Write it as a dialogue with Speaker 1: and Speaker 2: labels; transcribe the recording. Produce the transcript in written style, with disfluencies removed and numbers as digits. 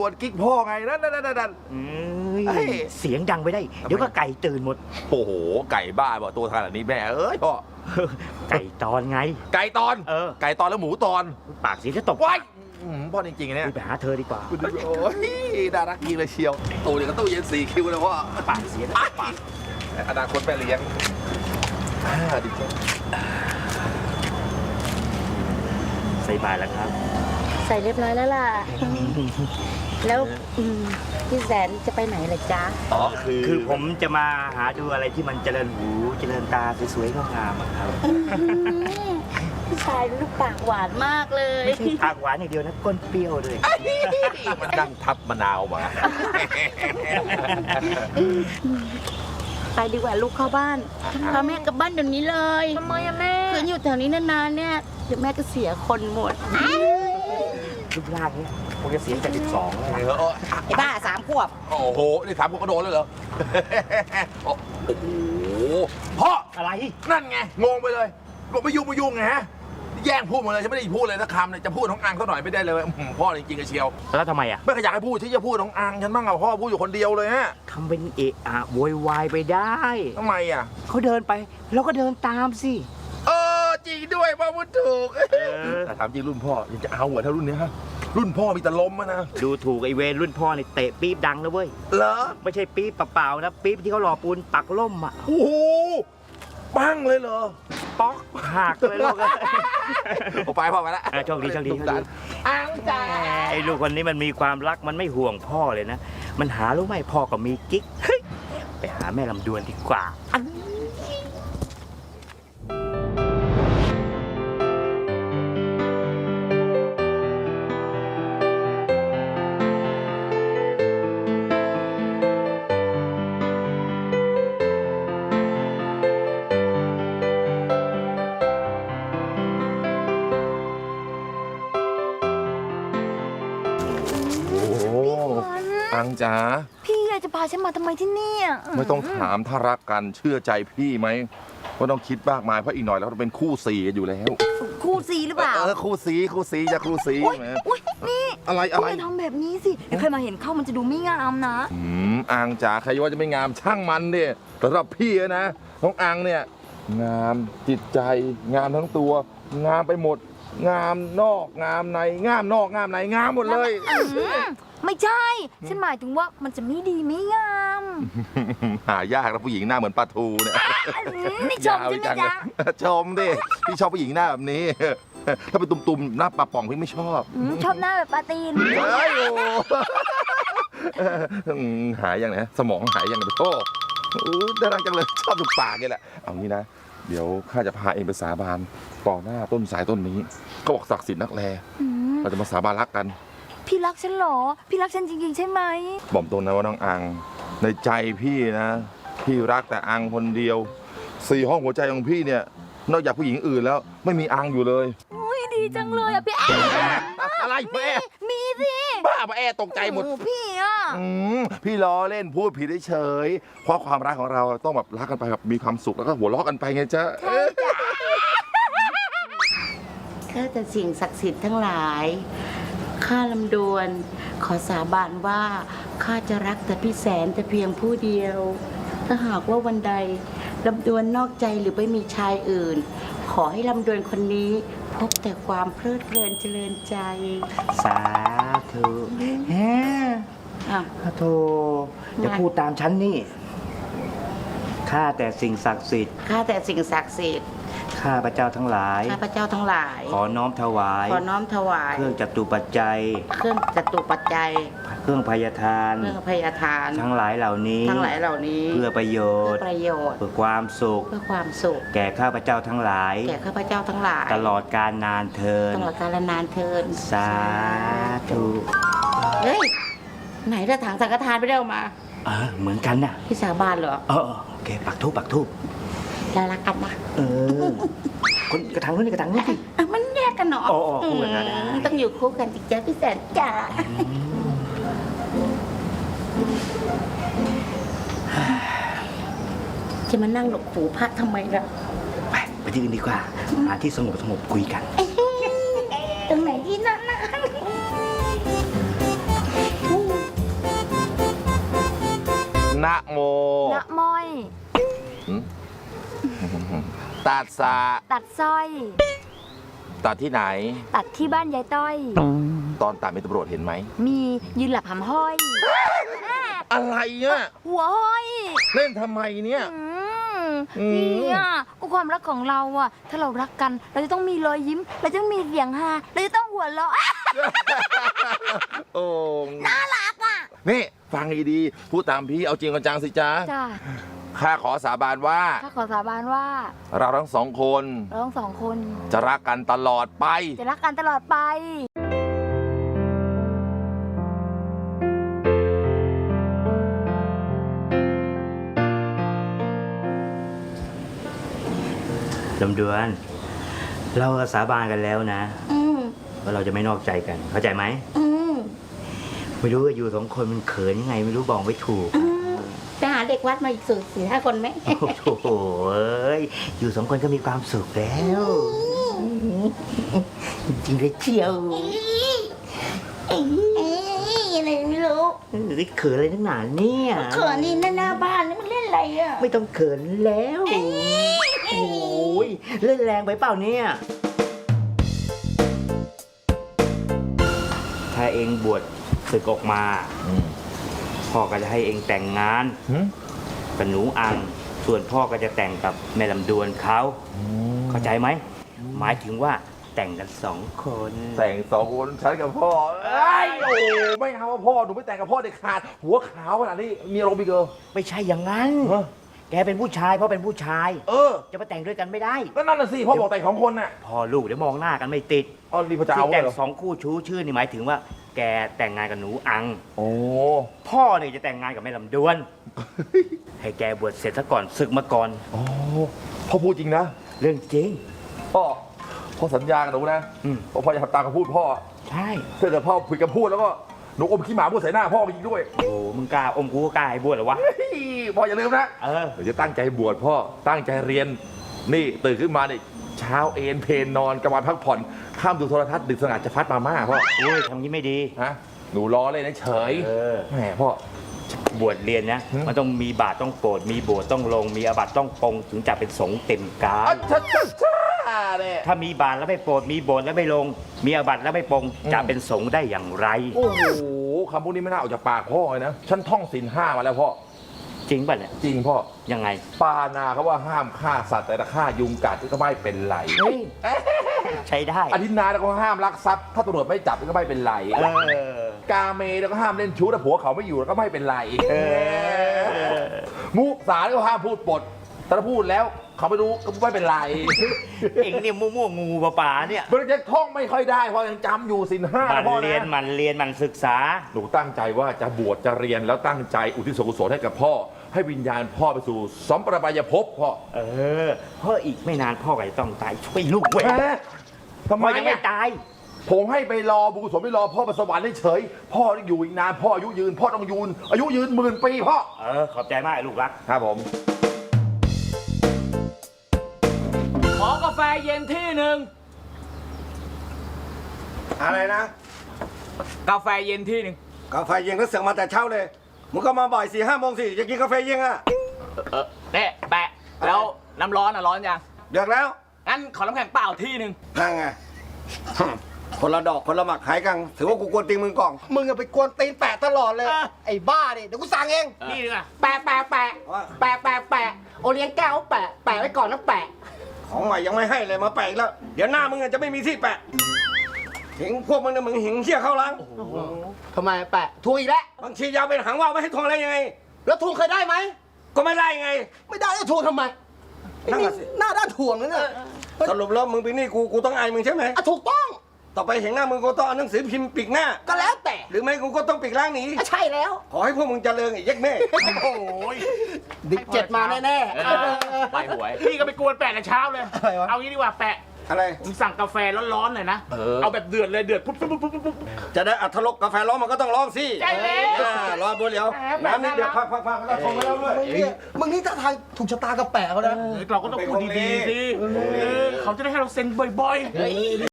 Speaker 1: ปวดกิ๊กพ่อไงนั่น
Speaker 2: เสียงดังไปได้เดี๋ยวก็ไก่ตื่นหมด
Speaker 1: โอ้โหไก่บ้าบอกตัวขนาดนี้แม่เอ้ยพ่อ
Speaker 2: ไก่ตอนไง
Speaker 1: ไก่ตอนไก่ตอนแล้วหมูตอน
Speaker 2: ปากเสียจะตก
Speaker 1: ว้ายพ่อจริงๆเนี่ย
Speaker 2: ไปหาเธอดีกว่า
Speaker 1: โอ้ยน่ารักจริงเลยเชียวตู้เนี่ยก็ตู้เย็น4 คิวเลยพ่อ
Speaker 2: ปากเสียปาก
Speaker 1: อนาคตแม่เลี้ยงดีจัง
Speaker 2: ใส่บาตรแล้วครับ
Speaker 3: ใส่เรียบร้อยแล้วล่ะแล้วพี่แสนจะไปไหนล่ะจ๊ะ
Speaker 2: คือผมจะมาหาดูอะไรที่มันเจริญหูเจริญตาสวยๆงามๆครับ
Speaker 3: พี่ชายลูกปากหวานมากเลย
Speaker 2: ไม่ใช่ปากหวานอย่างเดียวนะก้นเปรี้ยวเลย
Speaker 1: มันดังทับมะนาวมา
Speaker 3: ไปดีกว่าลูกเข้าบ้านพาแม่กลับบ้านเดี๋ยวนี้เลย
Speaker 4: ทำไมอะแม่
Speaker 3: คืนอยู่แถวนี้นานๆเนี่ยเดี๋ยวแม่ก็เสียคนหมด
Speaker 2: รูปร่างนี้คงจะเสียจาก12แล้ว
Speaker 3: ไอ้บ้า3 ขวบ
Speaker 1: โอ้โหนี่3 ขวบก็โดนเลยเหรอโอ้โหพ่อ
Speaker 2: อะไร
Speaker 1: นั่นไงงงไปเลยบอกไม่ยุ่งไงฮะแย่งพูดหมดเลยฉันไม่ได้พูดเลยสักคำเลยจะพูดน้องอังเขาหน่อยไม่ได้เลยพ่อจริงๆเชียว
Speaker 2: แล้วทำไมอ่ะ
Speaker 1: ไม่อยากให้พูดที่จะพูดน้องอังฉันบ้างอะพ่อพูดอยู่คนเดียวเลยฮะ
Speaker 2: ทำเป็นเอะอะโวยวายไปได้
Speaker 1: ทำไมอ่ะ
Speaker 2: เขาเดินไปเราก็เดินตามสิ
Speaker 1: จริงด้วยพ่อพูดถูกแต่ถามจริงรุ่นพ่อยังจะเอาเหรอถ้ารุ่นนี้ฮะรุ่นพ่อมีแต่ล้มนะ
Speaker 2: ดูถูกไอเวรรุ่นพ่อนี่เตะปี๊บดังนะเว้ย
Speaker 1: เหรอ
Speaker 2: ไม่ใช่ปี๊บเปล่าๆนะปี๊บที่เขาหล่อปูนปักล่มอ่ะ
Speaker 1: โอ้โหปั้งเลยเหรอ
Speaker 2: ป๊อกหักเลยลูก
Speaker 1: ไปพ่อไปแล้ว
Speaker 2: โชคดี
Speaker 1: อังจ๋า
Speaker 2: ไอ้ลูกคนนี้มันมีความรักมันไม่ห่วงพ่อเลยนะมันหารู้ไหมพ่อก็มีกิ๊กไปหาแม่ลำดวนดีกว่า
Speaker 1: อังจ๋า
Speaker 4: พี่อยากจะพาฉันมาทำไมที่นี่
Speaker 1: ไม่ต้องถามถ้ารักกันเชื่อใจพี่ไหมว่าต้องคิดมากมายเพราะอีกหน่อยเราต้องเป็นคู่สีกันอยู่แล้ว
Speaker 4: คู่สีหรือเปล่า
Speaker 1: คู่สีจะคู่สี
Speaker 4: นี่
Speaker 1: อะไร
Speaker 4: ไม่ทำแบบนี้สิเดี๋ยวใครมาเห็นเข้ามันจะดูไม่งามนะ
Speaker 1: อังจ๋าใครว่าจะไม่งามช่างมันดิสำหรับพี่นะน้องอังเนี่ยงามจิตใจงามทั้งตัวงามไปหมดงามนอกงามในงามนอกงามในงามหมดเลย
Speaker 4: ไม่ใช่ฉันหมายถึงว่ามันจะไม่ดีไม่งาม
Speaker 1: หายากนะผู้หญิงหน้าเหมือนปลาทูเนี่ย
Speaker 4: นี่ชมใช่ไหมจ๊ะ
Speaker 1: ชมดิพี่ชอบผู้หญิงหน้าแบบนี้ถ้าเป็นตุ่มๆหน้าปลาป่องพี่ไม่ชอบ
Speaker 4: ชอบหน้าแบบปลาตีน
Speaker 1: หายยังไงสมองหายยังไงโอ้น่ารักจังเลยชอบดูปากนี่แหละเอางี้นะเดี๋ยวข้าจะพาเองไปสาบานต่อหน้าต้นสายต้นนี้ก็บอกศักดิ์สิทธิ์นักแลเราจะมาสาบานรักกัน
Speaker 4: พี่รักฉันหรอพี่รักฉันจริงๆใช่ไหม
Speaker 1: บอกตรงนะว่าน้องอังในใจพี่นะพี่รักแต่อังคนเดียว4 ห้องหัวใจของพี่เนี่ยนอกจากผู้หญิงอื่นแล้วไม่มีอังอยู่เลย
Speaker 4: อุ้ยดีจังเลยพี่
Speaker 1: อะไรแม่
Speaker 4: มีสิ
Speaker 1: บ้าแม่ตกใจหมด
Speaker 4: พี่
Speaker 1: พี่ล้อเล่นพูดผิดเฉยเพราะความรักของเราต้องแบบรักกันไปแบบมีความสุขแล้วก็หัวเราะกันไปไงจ๊ะ
Speaker 3: ข้าแต่สิ่งศักดิ์สิทธิ์ทั้งหลายข้าลำดวนขอสาบานว่าข้าจะรักแต่พี่แสนแต่เพียงผู้เดียวถ้าหากว่าวันใดลำดวนนอกใจหรือไปมีชายอื่นขอให้ลำดวนคนนี้พบแต่ความเพลิดเพลินเจริญใจ
Speaker 2: สาธุโธ่อย่าพูดตามฉันนี่ข้าแต่สิ่งศักดิ์สิทธิ์
Speaker 3: ข้าแต่สิ่งศักดิ์สิทธิ์
Speaker 2: ข้าพระเจ้าทั้งหลาย
Speaker 3: ข้าพระเจ้าทั้งหลาย
Speaker 2: ขอน้อมถวายเครื่องจัตุปัจจัย
Speaker 3: เครื่องพยาทาน
Speaker 2: ทั้งหลายเหล่านี้เพื่อประโยชน์เพื่อความสุขแก่ข้าพระเจ้าทั้งหลายตลอดกาลนานเทินสาธุ
Speaker 3: เฮ้ยไหนละถังสังฆทานไปได้ออกมา
Speaker 2: เหมือนกันน่ะ
Speaker 3: พี่สาบานเหรอ
Speaker 2: โอเคปักทูบ
Speaker 3: เรารักกันนะ
Speaker 2: คนกระถางนู้นกระถางนู้น
Speaker 3: มันแยกกันเนาะ
Speaker 2: คู่กันนะ
Speaker 3: ต้องอยู่คู่กันจริงๆพี่แสนจ๋าจะมานั่งหลบหูพระทำไมล่ะ
Speaker 2: ไปที่อื่นดีกว่าหาที่สงบคุยกัน
Speaker 3: ตรงไหนที่นั่นนะ
Speaker 1: ตัดสระ
Speaker 4: ตัดสร้อย
Speaker 1: ตัดที่ไหน
Speaker 4: ตัดที่บ้านยายต้อย
Speaker 1: ตอนตัดมีตำรวจเห็นไหม
Speaker 4: มียืนหลับหำห้อย
Speaker 1: อะไรอ่ะ
Speaker 4: หัวห้อย
Speaker 1: เล่นทำไมเนี่ย
Speaker 4: เนี่ยก็ความรักของเราอะถ้าเรารักกัน เราจะต้องมีรอยยิ้ม เราจะต้องมีเสียงฮาเราจะต้องหัวเราะ
Speaker 1: โอ้
Speaker 4: น่ารักอะ
Speaker 1: นี่ฟังดีๆพูดตามพี่เอาจริงเอาจังสิจ๊ะ
Speaker 4: จ้า
Speaker 1: ข้าขอสาบานว่า
Speaker 4: ข้าขอสาบานว่า
Speaker 1: เราทั้งสองคน
Speaker 4: เราทั้งสองคน
Speaker 1: จะรักกันตลอดไป
Speaker 4: จะรักกันตลอดไป
Speaker 2: ลำดวน เราสาบานกันแล้วนะ
Speaker 3: ม
Speaker 2: ว่าเราจะไม่นอกใจกัน เข้าใจไหม
Speaker 3: อืม
Speaker 2: ไม่รู้ว่าอยู่สองคนมันเขินยังไง ไม่รู้บอกไม่ถูก
Speaker 3: ไปหาเด็กวัดมาอีก4-5 คนไหม
Speaker 2: โอ้โหเอ้ยอยู่สองคนก็มีความสุขแล้วจริงเลยเชียว
Speaker 3: อะไรไม่รู้
Speaker 2: เขินอะไรนักหนาเนี่ย
Speaker 3: เขินนี่หน้าบ้านนี่มันเล่นอะไรอ่ะ
Speaker 2: ไม่ต้องเขินแล้วโอ้ยเล่นแรงไปเปล่าเนี่ย ถ้าเองบวชศึกออกมา พ่อก็จะให้เองแต่งงานกับหนูอัง ส่วนพ่อก็จะแต่งกับแม่ลำดวนเขา เข้าใจไหม หมายถึงว่าแต่งกัน2 คน
Speaker 1: แต่งสองคนฉันกับพ่อเอ้ยโอ้ไม่เอาพ่อหนูไม่แต่งกับพ่อเด็ดขาดหัวขาวขนาดนี้มีอารมณ์อีกเกอ
Speaker 2: ไม่ใช่อย่างนั้น
Speaker 1: ฮะ
Speaker 2: แกเป็นผู้ชายพ่อเป็นผู้ชาย จะมาแต่งด้วยกันไม่ได้
Speaker 1: ก็นั่นน่ะสิพ่อบอกแต่งของคนน่ะ
Speaker 2: พ่อลูกเดี๋ยวมองหน้ากันไม่ติด
Speaker 1: อ๋อนี่พ่อจะ
Speaker 2: ที่
Speaker 1: เอา
Speaker 2: แต่ง
Speaker 1: เหรอ
Speaker 2: 2 คู่ชู้ชื่อนี่หมายถึงว่า แกแต่งงานกับหนูอัง
Speaker 1: โอ้
Speaker 2: พ่อเนี่ยจะแต่งงานกับแม่ลำดวน ให้แกบวชเสร็จซะก่อนศึกมาก่อน
Speaker 1: โอ้พ่อพูดจริงนะ
Speaker 2: เรื่องจริง
Speaker 1: พ่อสัญญากับหนูนะ
Speaker 2: อืม
Speaker 1: ว่าพ่อจะทำตามคำพูดพ่อ
Speaker 2: ใช่
Speaker 1: ถ้าเกิดพ่อผิดคำพูดแล้วก็หนูอมขี้หมาพูดใส่หน้าพ่อไปอีกด้วย
Speaker 2: โอ้มึงกล้าอมกูก็กล้าให้บวชเหรอวะ
Speaker 1: เฮ้ยพ่ออย่าลืมนะ
Speaker 2: เออ
Speaker 1: เดี๋ยวจะตั้งใจบวชพ่อตั้งใจเรียนนี่ตื่นขึ้นมาเนี่ยเช้าเอนเพลนนอนกลางวันพักผ่อนข้ามดูโทรทัศน์ดึกสงัดจะฟัดมาม่าพ่อ
Speaker 2: โอ้ยทำงี้ไม่ดี
Speaker 1: ฮะหนูล้อเลยนะเฉย
Speaker 2: เออ
Speaker 1: แหมพ่อบ
Speaker 2: วชเรียนนะ
Speaker 1: หืม
Speaker 2: มันต้องมีบาตรต้องโปรดมีโบสถ์ต้องลง มีอาบัติต้องปรงถึงจะเป็นสงฆ์เต็มกา
Speaker 1: อ่ะ
Speaker 2: ร
Speaker 1: ช้าเนี่ย
Speaker 2: ถ้ามีบาตรแล้วไม่โปรดมีโบสถ์แล้วไม่ลง มีอาบัติแล้วไม่ปรงจะเป็นสงฆ์ได้อย่างไร
Speaker 1: โอ้โหคำพวกนี้ไม่น่าออกจากปากพ่อเลยนะฉันท่องศีล5มาแล้วพ่อ
Speaker 2: จริงป่ะเนี่ย
Speaker 1: จริงพ่อ
Speaker 2: ยังไง
Speaker 1: ปานาเขาว่าห้ามฆ่าสัตว์แต่ถ้าฆ่ายุงกัดก็ไม่เป็นไร
Speaker 2: เฮ้ย ใช้ได้
Speaker 1: อธินาแล้วก็ห้ามลักทรัพย์ถ้าตำรวจไม่จับก็ไม่เป็นไร
Speaker 2: เออ
Speaker 1: กาเมแล้วก็ห้ามเล่นชู้ถ้าผัวเขาไม่อยู่แล้วก็ไม่เป็นไร
Speaker 2: เออ
Speaker 1: มุสาก็ห้ามพูดปดแต่ถ้าพูดแล้วเขาไม่รู้ก็ไม่เป็นไร
Speaker 2: เองเนี่ยมั่วๆงูป่าๆเนี่ย
Speaker 1: มันจะท่องไม่ค่อยได้เพราะยังจำอยู่ศีล5
Speaker 2: มัน
Speaker 1: พ่อ
Speaker 2: เรียน
Speaker 1: นะ
Speaker 2: มันเรียนมันศึกษา
Speaker 1: หนูตั้งใจว่าจะบวชจะเรียนแล้วตั้งใจอุทิศส่วนกุศลให้กับพ่อ ให้วิญญาณพ่อไปสู่สัมปรายภพพ่อ
Speaker 2: เออเพราะอีกไม่นานพ่อก็จะต้องตายช่วยลูกเว้ย
Speaker 1: ทำไม
Speaker 2: พ่อยังไม่
Speaker 1: อะ
Speaker 2: ตาย
Speaker 1: ผมให้ไปรอบุญกุศลไปรอพ่อไปสวรรค์เฉยๆพ่ออยู่อีกนานพ่ออายุยืน พ่อต้องยืนอายุยืน10,000 ปีพ่อ
Speaker 2: เออขอบใจมากไอ้ลูกรัก
Speaker 1: ครับผม
Speaker 5: ขอกาแฟเย็นที่หนึ่ง
Speaker 6: อะไรนะ
Speaker 5: กาแฟเย็นที่หนึ่ง
Speaker 6: กาแฟเย็นก็เสือกมาแต่เช้าเลยมึงก็มาบ่าย4-5 โมงสิจะกินกาแฟเย็นอ่ะ
Speaker 5: เนี่ยแปะ แล้วน้ำร้อนอ่ะร้อนยัง
Speaker 6: เดือกแล้ว
Speaker 5: งั้นขอน้ำแข็งเปล่าที่หนึ่ง
Speaker 6: นั่งไง คนละดอกคนละหมักหายกันถือว่ากูกวนตีนมึงก่อนมึงอะไปกวนตีนแปะตลอดเลย ไอ้บ้าดิเดี๋ยวกูสั่งเอง
Speaker 5: นี่ดีกว่า
Speaker 3: แปะแปะแปะ
Speaker 6: ว่า
Speaker 3: แปะแปะแปะโอเลี้ยงแก้วแปะแปะไว้ก่อนนะแปะ
Speaker 6: ของใหม่ยังไม่ให้เลยมาแปะอีกแล้ว เดี๋ยวหน้ามึงอะจะไม่มีที่แปะหิงพวกมึงเนี่ยมึงหิงเชี่ยเข้าล้าง
Speaker 3: ทำไมแปะทวงอีกแล้ว
Speaker 6: บางทียาวเป็นหางว่าวไม่ให้ทวงอะไรยังไง
Speaker 3: แล้วทวงเคยได้ไหม
Speaker 6: ก็ไม่ได้ไง
Speaker 3: ไม่ได้แล้วทวงทำไม
Speaker 6: นั่นน่ะสิ
Speaker 3: หน้าด้านทวงนั่นน่ะ
Speaker 6: สรุปแล้วมึงเป็นหนี่กูต้องอายมึงใช่ไหม
Speaker 3: อ่ะถูกต้อง
Speaker 6: ต่อไปเห็นหน้ามึงกูต้องเอาหนังสือพิมพ์ปิดหน้า
Speaker 3: ก็แล้วแต่
Speaker 6: หรือไม่กูก็ต้องปิดร่างหนี
Speaker 3: อ่ะใช่แล้ว
Speaker 6: ขอให้พวกมึงเจริญไอ้เย็กแม่
Speaker 5: โอ้ย
Speaker 3: ดิเจ็ดมาแน่
Speaker 5: ไปหวย พี่ก็ไปกวนแปะแต่เช้าเลย
Speaker 3: อะไรวะ
Speaker 5: เอางี้ดีกว่าแปะ
Speaker 6: อะไร
Speaker 5: ผมสั่งกาแฟร้อนๆหน่อยนะ เอาแบบเดือดเลยเดือดปุ๊บปุ๊บปุ๊บปุ๊บปุ๊บ
Speaker 6: จะได้อัธรสกาแฟร้อนมันก็ต้องร้อนสิ
Speaker 5: ใช่แล้ว
Speaker 6: รอบัวเหลียว น้ำนิดเดียวพักแล้วทงไปแล้วด้วย
Speaker 3: มึงนี่ท่าทางถูกชะตากับแปะเขานะ
Speaker 5: เราก็ต้องพูดดีๆสิเขาจะได้ให้เราเซ็นบ่อยๆ